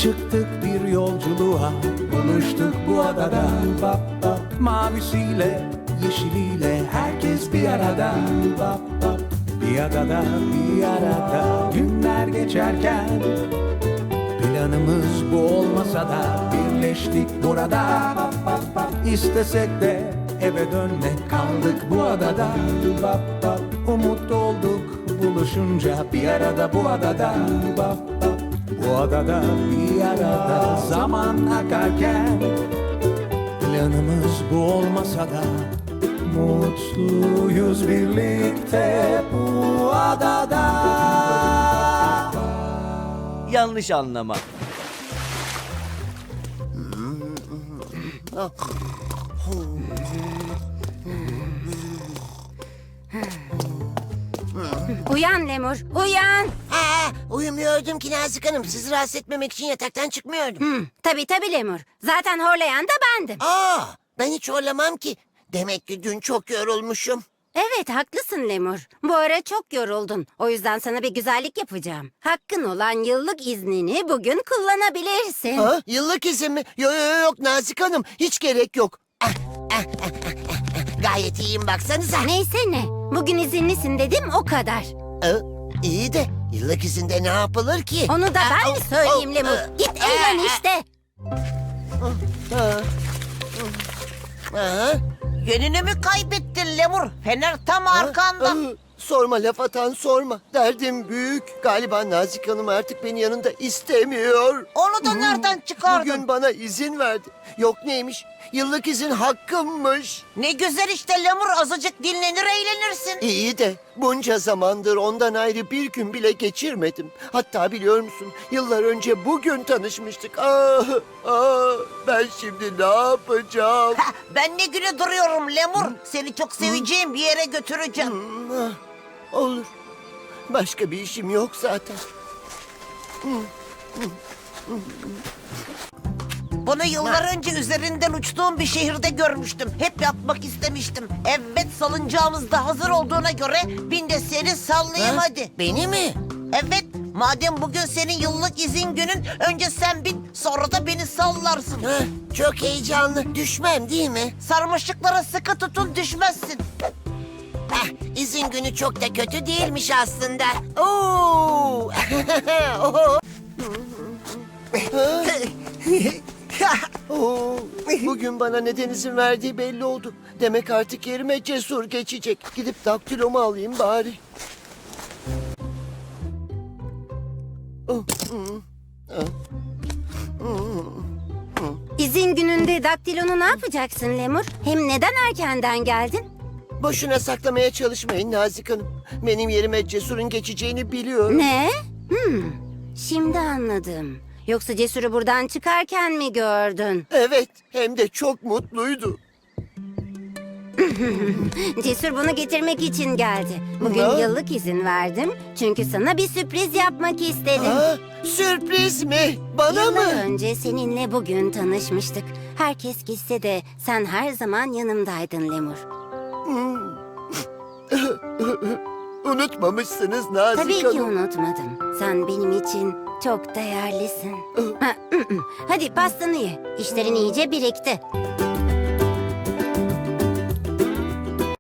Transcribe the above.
Çıktık bir yolculuğa, buluştuk bu adada. Mavisiyle, yeşiliyle herkes bir arada. Bir adada, bir arada günler geçerken planımız bu olmasa da birleştik burada. İstesek de eve dönmek kaldık bu adada. Umut olduk buluşunca bir arada bu adada. Bu adada bir arada zaman akarken planımız bu olmasa da mutluyuz birlikte bu adada. Yanlış anlama. Uyan Lemur, uyan. Uyumuyordum ki Nazik Hanım. Sizi rahatsız etmemek için yataktan çıkmıyordum. Tabii Lemur. Zaten horlayan da bendim. Ben hiç horlamam ki. Demek ki dün çok yorulmuşum. Evet, haklısın Lemur. Bu ara çok yoruldun. O yüzden sana bir güzellik yapacağım. Hakkın olan yıllık iznini bugün kullanabilirsin. Yıllık izin mi? Yok Nazik Hanım. Hiç gerek yok. Gayet iyiyim baksanıza. Neyse ne. Bugün izinlisin dedim o kadar. İyi de yıllık izinde ne yapılır ki? Onu da ben mi söyleyeyim Lemur? Git eğlen işte. Yönünü mü kaybettin Lemur? Fener tam arkanda. Sorma laf atan sorma. Derdim büyük. Galiba Nazik Hanım artık beni yanında istemiyor. Onu da nereden çıkardın? Bugün bana izin verdi. Yok neymiş? Yıllık izin hakkımmış. Ne güzel işte Lemur, azıcık dinlenir eğlenirsin. İyi de bunca zamandır ondan ayrı bir gün bile geçirmedim. Hatta biliyor musun? Yıllar önce bugün tanışmıştık. Ben şimdi ne yapacağım? Ben ne güne duruyorum Lemur? Seni çok seveceğim bir yere götüreceğim. Olur. Başka bir işim yok zaten. Bunu yıllar önce üzerinden uçtuğum bir şehirde görmüştüm. Hep yapmak istemiştim. Evet, salıncağımız da hazır olduğuna göre bin de seni sallayayım hadi. Beni mi? Evet, madem bugün senin yıllık izin günün, önce sen bin, sonra da beni sallarsın. Çok heyecanlı. Düşmem değil mi? Sarmaşıklara sıkı tutun, düşmezsin. İzin günü çok da kötü değilmiş aslında. Oo! Bugün bana neden izin verdiği belli oldu. Demek artık yerime Cesur geçecek. Gidip daktilomu alayım bari. İzin gününde daktilonu ne yapacaksın Lemur? Hem neden erkenden geldin? Boşuna saklamaya çalışmayın Nazik Hanım. Benim yerime Cesur'un geçeceğini biliyorum. Ne? Şimdi anladım. Yoksa Cesur'u buradan çıkarken mi gördün? Evet, hem de çok mutluydu. Cesur bunu getirmek için geldi. Bugün Ha? yıllık izin verdim. Çünkü sana bir sürpriz yapmak istedim. Sürpriz mi? Bana Yıllar mı? önce seninle bugün tanışmıştık. Herkes gitse de sen her zaman yanımdaydın Lemur. Unutmamışsınız Nazik Tabii ki Hanım. unutmadım. Sen benim için çok değerlisin. Hadi pastanı ye. İşlerin iyice birikti.